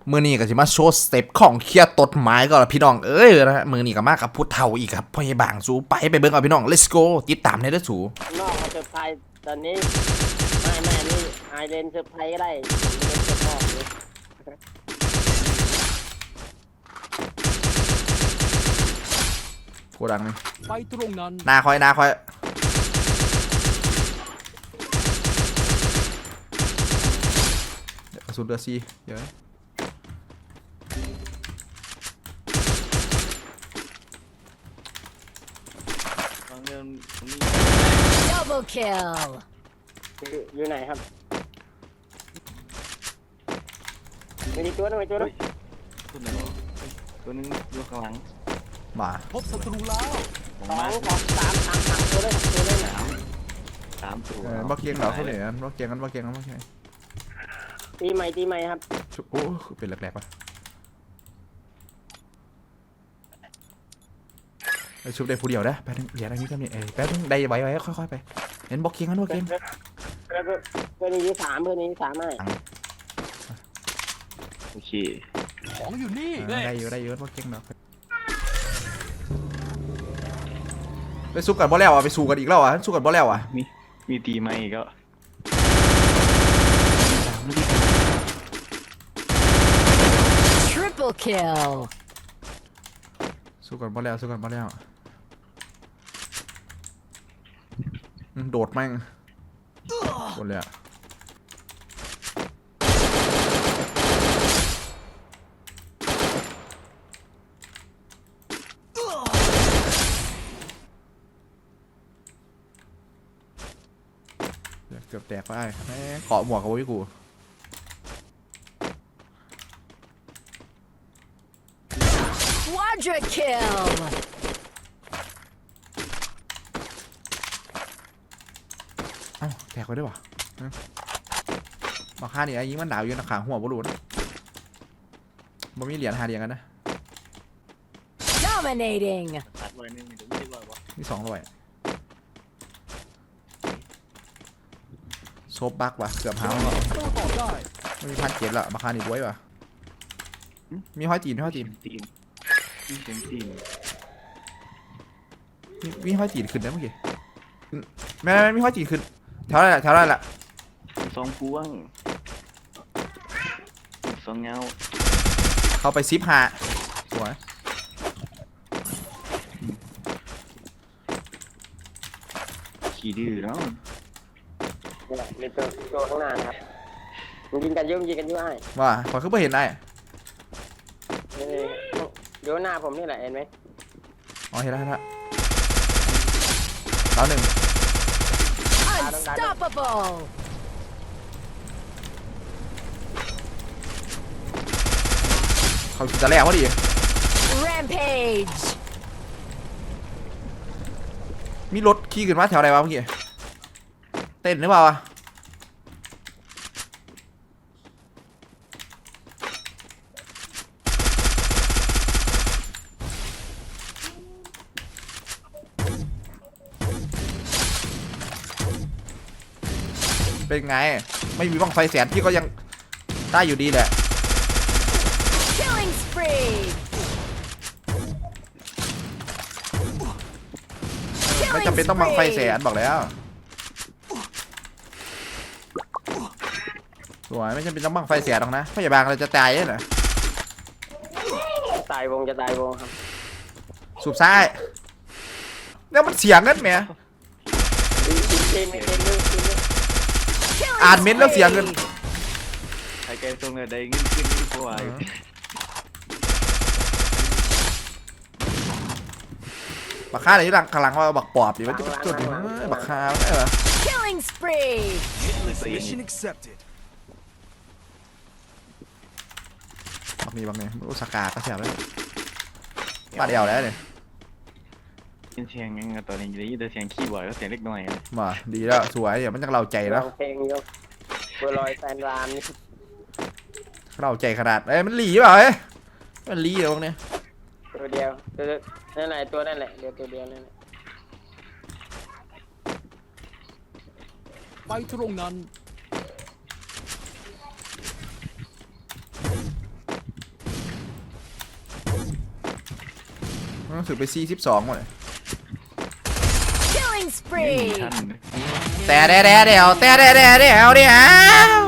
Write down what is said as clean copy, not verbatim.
มือนี้ก็สิมาโชว์สเต็ปของเคลียร์ต้นไม้ก่อนละพี่น้องนะฮะมือนี้ก็มากับพุทธเฒ่าอีกครับพ่อใหญ่บางสู้ไปเบิ่งเอาพี่น้อง let's go ติดตามในเด้อสูนอกเขาเซอร์ไพรส์ตอนนี้ไม่นี่ไอเดนเซอร์ไพรส์ก็ได้เล่นเซอร์ไพรส์เลยโคดังนี่ไปตรงนั้นนาคอยกระสุนเดือดซีเยอะ Double kill อยู่ไหนครับมีตัวนึงตัวไหนวะตัวนึงอยู่ข้างหลังมาพบศัตรูแล้วสองสามตัวเลยสามตัวบักเกียงเหรอเขาเหนื่อยกันบักเกียงบักเกียงตีใหม่ครับโอ้เป็นแหลกๆปะไปชุบได้ผู้เดียวนะแป๊บนึงเหรียญอันนี้ก็มีแป๊บนึงได้ไว้ค่อยๆไปเห็นบักเกียงกันบักเกียงเพื่อนนี้สามไม่โอเคของอยู่นี่ได้อยู่บักเกียงเนาะไปสู้กันบ่แล้วไปสู้กันอีกแล้วสู้กันบ่แล้วมีตีไหมก็ Triple kill สู้กันบ่แล้วโดดแม่งโดนเลยเกือบแตกไปแม่เกาะหมวกกับวิกู Quadra kill แตกไปด้วยวะมาฆ่านี่ไอ้ยิงมันดาวอยู่นะขาหัวบอลลูนมันมีเหรียญหาเหรียญกันนะ Dominating ตัดไว้นึงเดี๋ยวไม่ได้ว่าวะมี200โซบบักว่ะเกือบหาแล้วไม่มี1,700ละมาฆ่านี่ด้วยว่ะมีห้อยตีนมีห้อยตีนขึ้นได้เมื่อกี้แม่มีห้อยตีนขึ้นแถวไรล่ะสองพวงสองเงาเข้าไปซิปหาสวยขี่ดื้อเนาะมีตัวข้างหน้านะครับยิงกันยุ่ไอ้ว่าขอขึ้นไปเห็นได้โยนหน้าผมนี่แหละเห็นไหมอ๋อเห็นแล้วแล้วหนึ่ง Unstoppable เขาจะแลกพอดี Rampage มีรถขี่ขึ้นมาแถวไหนวะเมื่อกี้เต้นหรือเปล่าวะเป็นไงไม่มีบ้างไฟแสนพี่ก็ยังได้อยู่ดีแหละ Killing spree ไม่จำเป็นต้องบังไฟแสนบอกแล้วสวยไม่จำเป็นต้องบังไฟแสนหรอกนะพยาบาลเราจะตายเหรอตายวงครับสูบซ้ายแล้วมันเสียงกันไหมอ่านเม้นแล้วเสียงกันไอ้แกตรงไหนได้เงินขึ้นกว่าบักฆ่าอะไรที่หลังว่าบักปอบดิว่าจุดบักฆ่าได้เหรอ Killing spree Mission accepted บักนี้รู้สกาก็เสียบเลยบาดเดียวแล้วเนี่ยเสียงยังตอนนี้ได้ยินแต่เสียงคีย์บอร์ดก็เสียงเล็กน้อยมาดีแล้วสวยอย่ามันจะเราใจแล้วเพลงยกบัวลอยแฟนรามนี่เราใจขนาดมันหลีเปล่ามันหลีเหรอพวกนี้ตัวเดียวนั่นแหละตัวนั่นแหละเดียวตัวเดียวนั่นแหละไปตรงนั้นถือไป42หมดเลย Killing ไม่มี spree. ท่านแต่เดี๋ยว